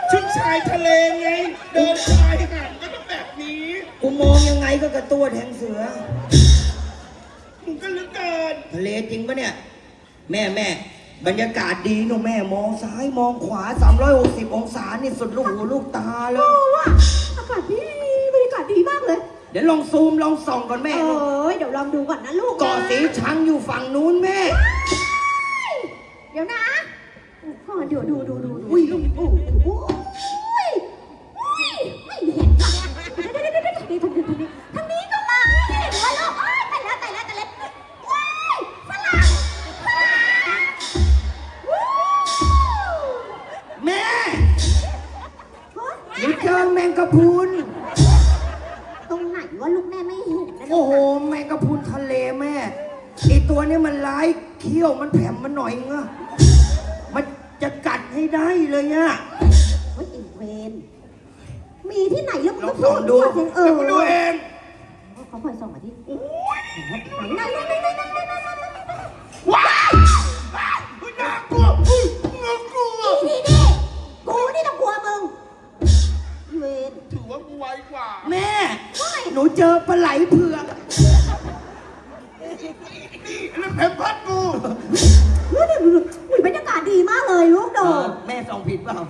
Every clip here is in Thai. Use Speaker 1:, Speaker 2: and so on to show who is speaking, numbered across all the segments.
Speaker 1: ชุดชายทะเลไงเดินชายหาดก็ต้องแบบนี้
Speaker 2: กูมองยังไงก็กระตัวแทงเสือ
Speaker 1: มึงก็เหลือเกิน
Speaker 2: ทะเลจริงปะเนี่ยแม่บรรยากาศดีเนอะแม่มองซ้ายมองขวา360องศานี่สุดลูกหูลูกตาเลย
Speaker 3: ว่ะอากาศดีบรรยากาศดีมากเลย
Speaker 2: เดี๋ยวลองซูมลองส่องก่อนแม่
Speaker 3: เดี๋ยวลองดูก่อนนะลูก
Speaker 2: เกาะสีชังอยู่ฝั่งนู้นแม่
Speaker 3: เดี๋ยวนะเดี๋ยวดูอุ้ยลูกอุ้ยไม่เห็นทางนี้ก็มาไม่เห็นว่าลูกแต่แล้วว้ายฝรั่ง
Speaker 2: แม่หนูเจอแมงกะพรุน
Speaker 3: ตรงไหนว่าลูกแม่ไม่เห็นนะ
Speaker 2: โอ้โหแมงกะพรุนทะเลแม่ไอตัวนี้มันร้ายเขี้ยวมันแผ่มันหน่อยเงอะมันจะกัดให้ได้เลยอะ
Speaker 3: เฮ้ยอีเวนมีที่ไหนแล้วมึงก็
Speaker 2: พูดดู
Speaker 1: ดูเอง
Speaker 3: เขาคอยส่องมาที่ไหน
Speaker 1: ว้าวน่ากลัวน่ากลัว
Speaker 3: นี่กูนี่ต้องกลัวมึงเวน
Speaker 1: ถือว่ากูไวกว่า
Speaker 2: แม่หนูเจอปลาไหลเผือก
Speaker 1: นี่แล้วแผ่นพัดกู
Speaker 3: บรรยากาศดีมากเลยลูกโด
Speaker 2: แม่ส่องผิดเปล่า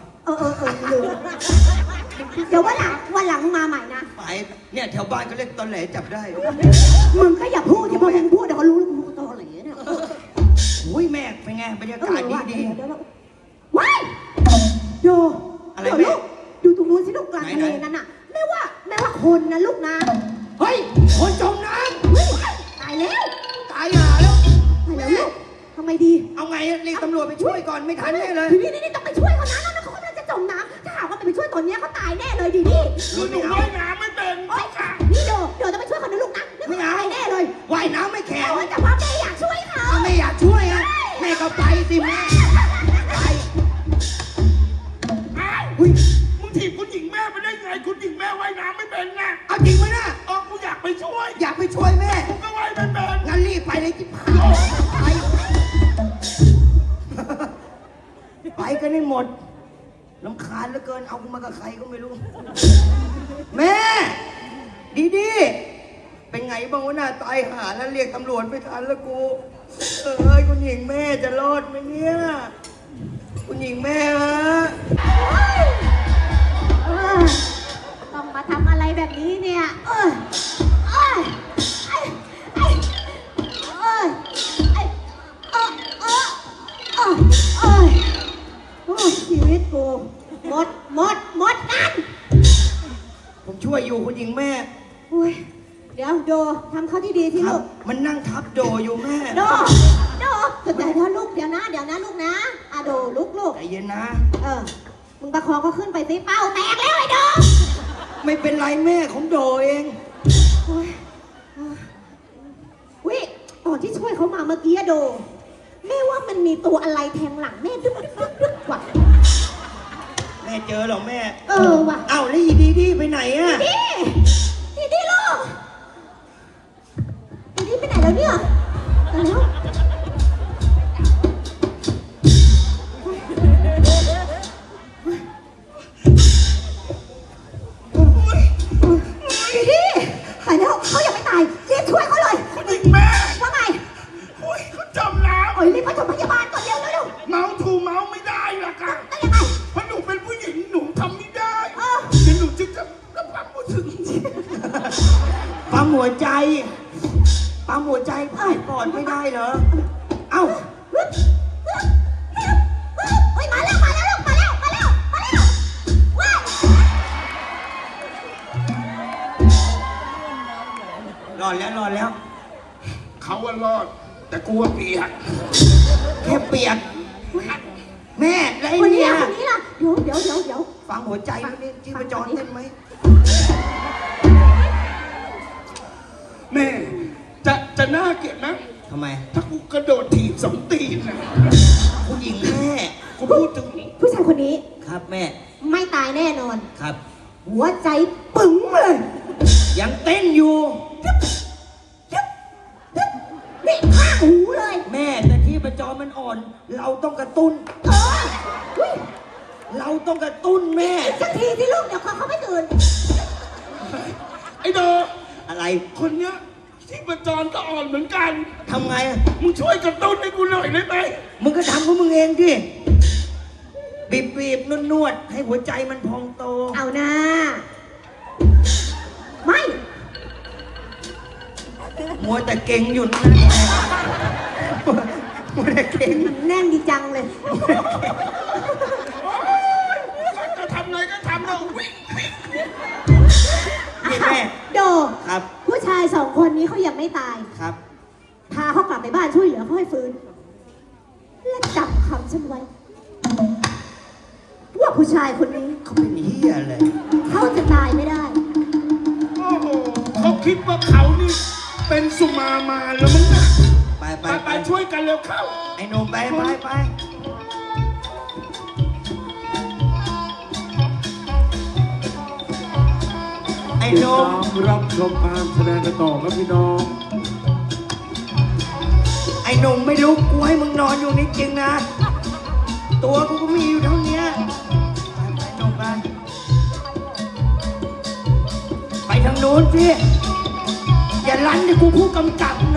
Speaker 3: เดี๋ยววันหลังมาใหม่นะ
Speaker 2: ไปเนี่ยแถวบ้านเขาเรียกตอนแหลจับได้
Speaker 3: มึงก็อย่าพูดที่พอมึงพูดเดี๋ยวเขารู้มึงตอนแหลเนี่ย
Speaker 2: อุ้ยแม่เป็นไงบรรยากาศดี
Speaker 3: ว้ายดูอะไรลูกดูตรงนู้นสิลูกกลางทะเลนั่นน่ะแม่ว่าคนนะลูกนะ
Speaker 2: เฮ้ยคนจมน้ำ
Speaker 3: ตายแล้ว
Speaker 2: ตายห่าแล้ว
Speaker 3: ลูกทำไงดี
Speaker 2: เอาไงเรียกตำรวจไปช่วยก่อนไม่ทันแน่เลย
Speaker 3: นี่ต้องไปช่วยเขานะเขากำลังจะจมน้ำถ้าหากว่าไปช่วยตอนนี้เขาตายแน่เลยดินี่
Speaker 1: หนูว่ายน้ำไม่เป็น
Speaker 3: นี่เดี๋ยวจะไปช่วยเขานะลูกนะ
Speaker 2: ไม่เอา
Speaker 3: แน่เลย
Speaker 2: ว่ายน้ำไม่แข็ง
Speaker 3: แต่ว่าแม่อยากช่วยเขา
Speaker 2: ไม่อยากช่วยอะแม่ก็ไปสิแม่ไป
Speaker 1: อุ้ยมึงถีบคุณหญิงแม่ไปได้ไงคุณหญิงแม่ว่ายน้ำไม่เป็นไง
Speaker 2: เอาจริงไหมนะ
Speaker 1: กูอยากไปช่วย
Speaker 2: แม่
Speaker 1: กูก็ว่ายไม่เป็น
Speaker 2: งั้นรีบไปเลยจิ๊บไปกันให้หมดรำคาญเหลือเกินเอากูมากับใครก็ไม่รู้แม่ดีเป็นไงบ้างวะน่าตายหาแล้วเรียกตำรวจไม่ทันแล้วกูคุณหญิงแม่จะรอดไหมเนี่ยคุณหญิงแม่ฮะ
Speaker 3: ต้องมาทำอะไรแบบนี้เนี่ยชีวิตกูหมดกัน
Speaker 2: ผมช่วยอยู่คุณหญิงแม่
Speaker 3: เดี๋ยวโดทำเขาที่ดีที่ลูก
Speaker 2: มันนั่งทับโดอยู่แม่
Speaker 3: โดเดี๋ยวลูกเดี๋ยวนะลูกนะโดลูก
Speaker 2: ใจเย็นนะ
Speaker 3: มึงประคองก็ขึ้นไปสิเป้าแตกแล้วไอ้โด
Speaker 2: ไม่เป็นไรแม่ของโดเอง
Speaker 3: ก่อนที่ช่วยเขามาเมื่อกี้โดแม่ว่ามันมีตัวอะไรแทงหลังแม่ดึ๊บว่ะ
Speaker 2: แม่เจอหรอแม่
Speaker 3: ว่ะ
Speaker 2: เอ้าแล้วดีไปไหนอะ
Speaker 3: ดีลูกดีไปไหนแล้วเนี่ยแล้วไปแล้วเขายังไม่ตายรีบช่วยเขาเลย
Speaker 1: คุณหญิงแม่
Speaker 3: ว่าไง
Speaker 1: เขาจมน้ำ
Speaker 3: รีบไปส่งพยาบาลก่อนเร็ว
Speaker 1: เมาถูเมาไม่ได้หรอกค่ะ
Speaker 3: ได้ยังไง
Speaker 1: เพราะหนูเป็นผู้หญิงหนูทำไม่ได้เดี๋ยวหนูจะปั๊มหัวถึง
Speaker 2: ปั๊มหัวใจผ่านก่อนไม่ได้เหรอเอ้า
Speaker 3: มาแล้วว้าย
Speaker 2: รอดแล้ว
Speaker 1: เขาว่ารอดแต่กูว่าเปียก
Speaker 2: แค่เปียกแม่แล้วไอ้เนี่ย
Speaker 3: คนนี้ล่ะเดี๋ยว
Speaker 2: ฟังหัวใจนี่ที่ประจรเต้นไหม
Speaker 1: แม่จะน่าเกลียดนะ
Speaker 2: ทำไม
Speaker 1: ถ้ากูกระโดดถีบ2 ตีนนะ
Speaker 2: ผู้หญิงแม่
Speaker 1: กูพูดถึง
Speaker 3: ผู้ชายคนนี้
Speaker 2: ครับแม่
Speaker 3: ไม่ตายแน่นอน
Speaker 2: ครับ
Speaker 3: หัวใจปึ๋งเลย
Speaker 2: ยังเต้นอยู่
Speaker 3: นี่ข้าหูเลย
Speaker 2: แม่แต่ที่ประจรมันอ่อนเราต้องกระตุ้นเราต้องกระตุ้นแม่
Speaker 3: สักทีที่ลูกเดี๋ยวเขาไม่ตื่น
Speaker 1: ไอ้โด
Speaker 2: อะไร
Speaker 1: คนเนี้ยที่ประจรก็อ่อนเหมือนกัน
Speaker 2: ทำไงอะ
Speaker 1: มึงช่วยกระตุ้นให้กูหน่อยได้ไหม
Speaker 2: มึงก็ทำของมึงเองดิบีบนวดๆให้หัวใจมันพองโต
Speaker 3: เอานะไม่
Speaker 2: มัวแต่เก่งอยู่นั่นมัวแต่เก่ง
Speaker 3: มันแน่นดีจังเลย
Speaker 1: จะทำไงก็ทำแล้ววิ่ง
Speaker 2: นี่แม่
Speaker 3: โด
Speaker 2: ครับ
Speaker 3: ผู้ชายสองคนนี้เขายังไม่ตาย
Speaker 2: ครับ
Speaker 3: พาเขากลับไปบ้านช่วยเหลือเขาให้ฟื้น และจับคำฉันไว้ ว่าผู้ชายคนนี้
Speaker 2: เขาเป็นเหี้ยเลย
Speaker 3: เขาจะตายไม่ได้
Speaker 1: โอ้โหเขาคิดว่าเขานี่เป็นสุมามาแล้วมั้งนะ
Speaker 2: ไปไป
Speaker 1: ไป
Speaker 2: ไป
Speaker 1: ช่วยกันเร็วเข้า
Speaker 2: ไอ้หนุ่มไปไอ้หนุ่ม
Speaker 1: รับชมการแสดงกันต่อครับพี่น้อง
Speaker 2: ไอ้หนุ่มไม่รู้กูให้มึงนอนอยู่นี่จริงนะ ตัวกูก็มีอยู่เท่านี้ไปหนุ่มไปทางนู้นสิอย่าลั่นดิกูผู้กำกับ